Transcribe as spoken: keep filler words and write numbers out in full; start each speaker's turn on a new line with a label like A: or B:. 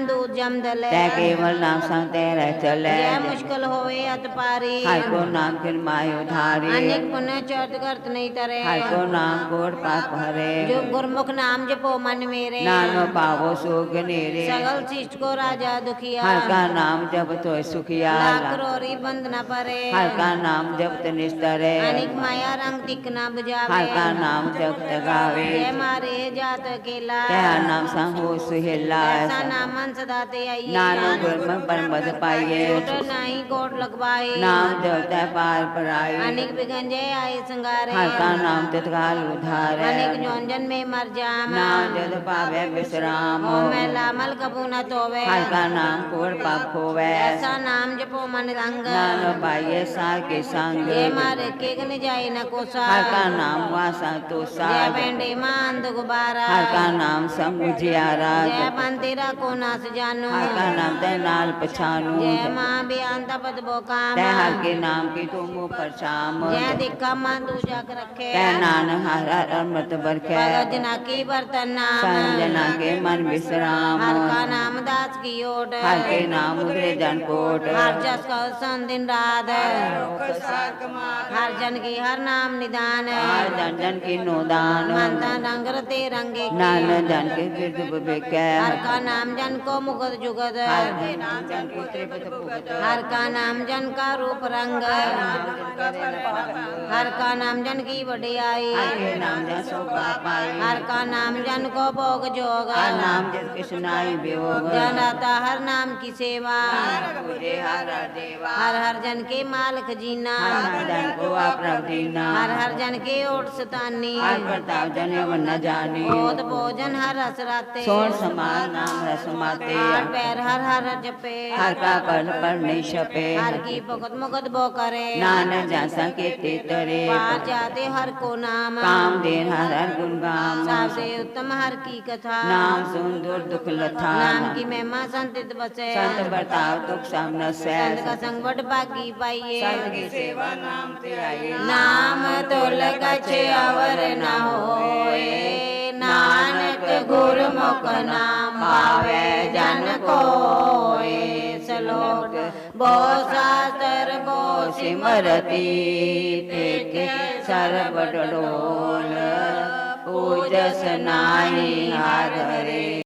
A: ज्ञान दूध जम दले
B: तै केवल नाम संग तेरे चले
A: जय मुश्किल होवे अत पारी
B: हर को नाम फिर माय उधारी
A: अनेक पुण्य चौथ करत नहीं तरे
B: हर को नाम कोट पाप हरे
A: जो गुरमुख नाम जपो मन मेरे
B: नानो पावो सुख नेरे
A: सगल शिष्ट को राजा दुखिया
B: हर का नाम जप तो सुखिया
A: लाख रोरी बंद न परे
B: हर का नाम जप तो निस्तरे
A: अनेक माया रंग दिख न बुझावे
B: हर का नाम जप तगावे
A: जय मारे जात अकेला
B: तेरा नाम संग हो सुहेला
A: ऐसा नामन सदा ते आइए
B: नानो गुरमुख परमपद पाइए
A: छोट नहीं कोट लगवाए
B: नाम जपता पार पराई
A: अनेक बिगन जय आए संगारे
B: हर का नाम तत्काल उद्धार
A: अनेक जौनजन में मर जाम
B: नाम जद पावे विश्राम
A: हो मैं लामल कबू न तोवे
B: हर का नाम कोट पाप खोवे
A: ऐसा नाम जपो मन रंग
B: नानो पाइए सार के संग
A: जय मारे के गन जाए न कोसा
B: हर का नाम वासा तो
A: जय
B: सार
A: बेंडे मांद गुबारा
B: हर का नाम समुझियारा
A: जय पंतेरा को नास जानू
B: हर का नाम ते नाल पछानू
A: जय माँ बेअंत पद बो काम
B: ते हर के नाम की तुम परछाम
A: जय दिखा माँ तू जाग रखे
B: ते नानक हर हर अमृत बरखे
A: भगत जना की बर्तन नाम
B: संजना के मन विश्राम
A: हर का नाम दास की ओट
B: हर के नाम उदरे जन कोट
A: हर जस का सन दिन रात हर जन की हर नाम निदान
B: हर जन जन की नोदान
A: मनता रंग रते रंगे की
B: नान जन के गिरद बिके
A: हर का नाम जन को मुगत जुगत
B: हर के नाम जन को त्रिपद भुगत
A: हर का नाम जन का रूप रंग हर का नाम जन की वडियाई
B: हर के नाम जन शोभा पाई
A: हर का नाम जन को भोग जोग
B: हर नाम जन कृष्णाई वियोग
A: जन आता हर नाम की सेवा
B: पूजे हर हर देवा
A: हर हर जन के मालिक जीना
B: हर जन को अपना दीना
A: हर हर जन के ओट सतानी
B: हर प्रताप जन यवन न जानी
A: ओत भोजन हर रस राते
B: सोन समान नाम रसमाते
A: हर पैर हर हर जपे
B: हर का पर पर नहीं छपे
A: हर की भगत मुगत बो करे
B: नानक जैसा के तेतरे
A: पार जाते हर को नाम
B: काम देन हर हर गुण गाम
A: सबसे उत्तम हर की कथा
B: नाम सुन दूर दुख लथा
A: नाम की महिमा संतित बसे
B: संत बर्ताव दुख सब न सै
A: संत का संग बड़ बागी पाइए
B: संत की सेवा नाम ते आइए
A: नाम तो लगछे अवर न होए नानक गुरमुख नाम पावे जन कोय सलोक बो शास्त्र बो
B: सिमरती तेके सर्व डोल पूजस नाई हर हरे।